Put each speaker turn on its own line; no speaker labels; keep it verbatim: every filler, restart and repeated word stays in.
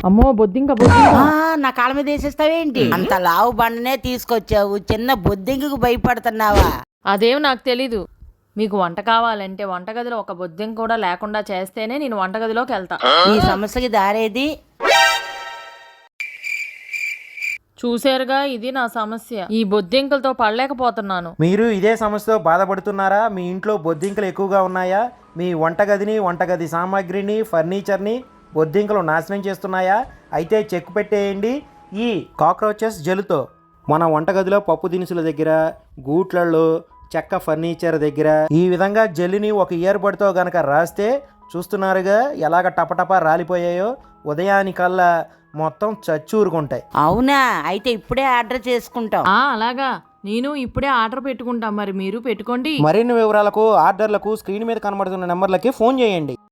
అమ్మో బొద్దింక బొద్దింక
ఆ, నా కాళ్ళ మీద వేసేస్తావేంటి? అంత లావు బండనే తీసుకొచ్చావు, చిన్న బొద్దింకకు భయపడుతున్నావా?
అదేం నాకు తెలీదు. మీకు వంట కావాలంటే వంటగదిలో ఒక బొద్దింక కూడా లేకుండా చేస్తేనే నేను వంటగదిలోకి వెళ్తా.
ఈ సమస్యకి దారేది?
చూసారుగా, ఇది నా సమస్య. ఈ బొద్దింకలతో పడలేకపోతున్నాను.
మీరు ఇదే సమస్యతో బాధపడుతున్నారా? మీ ఇంట్లో బొద్దింకలు ఎక్కువగా ఉన్నాయా? మీ వంటగదిని, వంటగది సామాగ్రిని, ఫర్నిచర్ని బొద్దింకలు నాశనం చేస్తున్నాయా? అయితే చెక్ పెట్టేయండి ఈ కాక్రోచెస్ జెల్తో. మన వంటగదిలో పప్పు దినుసుల దగ్గర, గూట్లలో, చెక్క ఫర్నిచర్ దగ్గర ఈ విధంగా జెల్లుని ఒక ఇయర్ బడ్తో గనక రాస్తే చూస్తున్నారుగా ఎలాగ టపటపా రాలిపోయాయో. ఉదయానికల్లా మొత్తం చచ్చూరుకుంటాయి.
అవునా? అయితే ఇప్పుడే ఆర్డర్ చేసుకుంటాం.
ఆ అలాగా, నేను ఇప్పుడే ఆర్డర్ పెట్టుకుంటా. మరి మీరు పెట్టుకోండి.
మరిన్ని వివరాలకు, ఆర్డర్లకు స్క్రీన్ మీద కనబడుతున్న నెంబర్లకి ఫోన్ చేయండి.